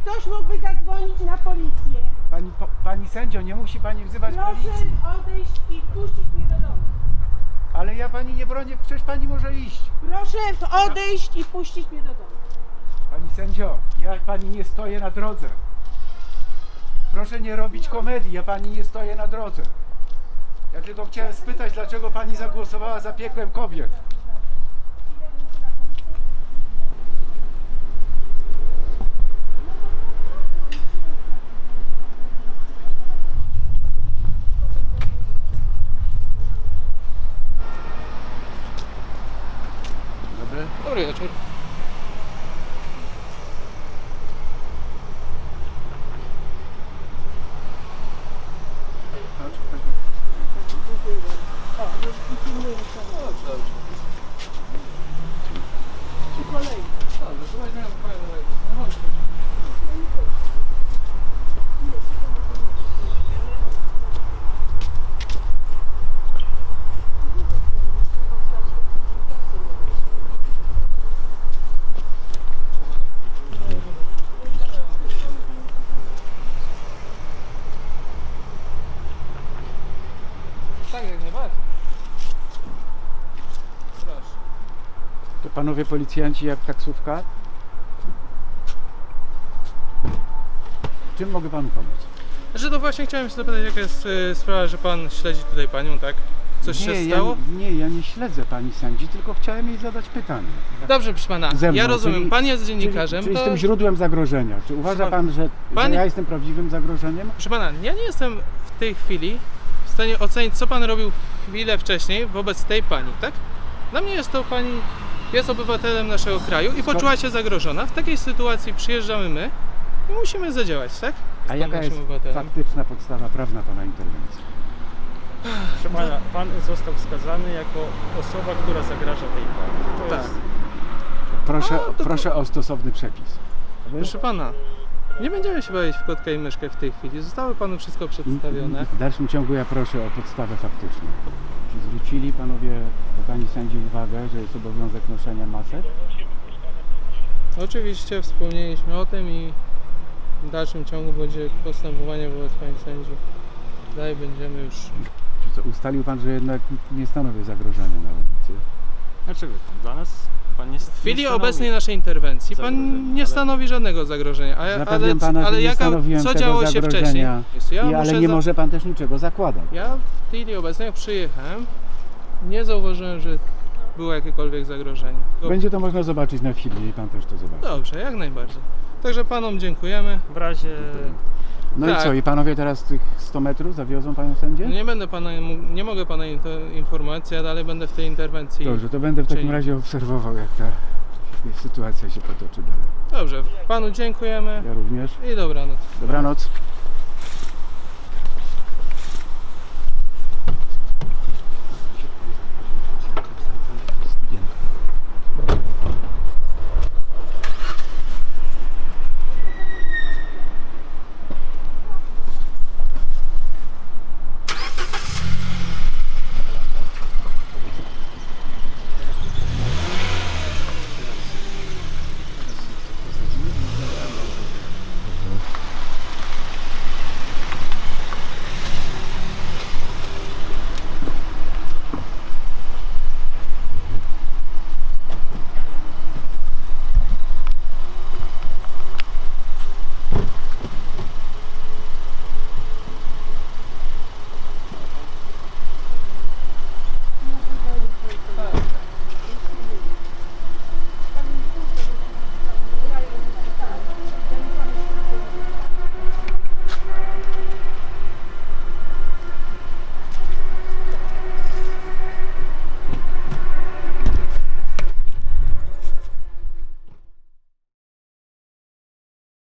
ktoś mógłby zadzwonić na policję. Pani sędzio, nie musi pani wzywać Proszę policji. odejść i wpuścić mnie do domu. Ale ja pani nie bronię, przecież pani może iść. Proszę odejść i puścić mnie do domu. Pani sędzio, ja pani nie stoję na drodze. Proszę nie robić komedii, ja pani nie stoję na drodze. Ja tylko chciałem spytać, dlaczego pani zagłosowała za piekłem kobiet. Dobry. Dobry wieczór. Tak, jak najbardziej. Proszę. To panowie policjanci jak taksówka? Czym mogę panu pomóc? Że to właśnie chciałem się zapytać, jaka jest sprawa, że pan śledzi tutaj panią, tak? Coś się stało? Ja nie śledzę pani sędzi, tylko chciałem jej zadać pytanie. Dobrze, proszę pana, Ze mną, ja rozumiem, czyli- pan jest dziennikarzem, Czyli to... jestem źródłem zagrożenia. Czy uważa Proszę pan, że pan- ja jestem prawdziwym zagrożeniem? Proszę pana, ja nie jestem w tej chwili w stanie ocenić, co pan robił chwilę wcześniej wobec tej pani, tak? Dla mnie jest to pani, jest obywatelem naszego kraju i poczuła się zagrożona. W takiej sytuacji przyjeżdżamy my i musimy zadziałać, tak? A pan jaka naszym jest obywatelem. faktyczna podstawa prawna pana interwencji? Proszę pana, pan został wskazany jako osoba, która zagraża tej pani. To Tak. jest Proszę o stosowny przepis. Proszę pana, nie będziemy się bawić w kotka i myszkę w tej chwili. Zostało panu wszystko przedstawione. W dalszym ciągu ja proszę o podstawę faktyczną. Czy zwrócili panowie do pani sędzi uwagę, że jest obowiązek noszenia masek? Oczywiście wspomnieliśmy o tym i w dalszym ciągu będzie postępowanie wobec pani sędzi. Dalej będziemy już... Czy co, ustalił pan, że jednak nie stanowi zagrożenia na ulicy? Dlaczego? Dla nas pan nie W chwili nie stanowi obecnej naszej interwencji pan zagrożenia, nie ale- stanowi żadnego zagrożenia. Zapewniam pana, że ale nie stanowiłem co tego działo się wcześniej? zagrożenia. Ale nie za- może pan też niczego zakładać. Ja w chwili obecnej, jak przyjechałem, nie zauważyłem, że było jakiekolwiek zagrożenie. Będzie to można zobaczyć na filmie i pan też to zobaczy. Dobrze, jak najbardziej. Także panom dziękujemy. W razie No Tak. i co, i panowie teraz tych 100 metrów zawiozą panią sędzię? Nie mogę pana informacji, ja dalej będę w tej interwencji. Dobrze, to będę w takim Czyli- razie obserwował, jak ta sytuacja się potoczy dalej. Dobrze, panu dziękujemy Ja również. i dobranoc. Dobranoc.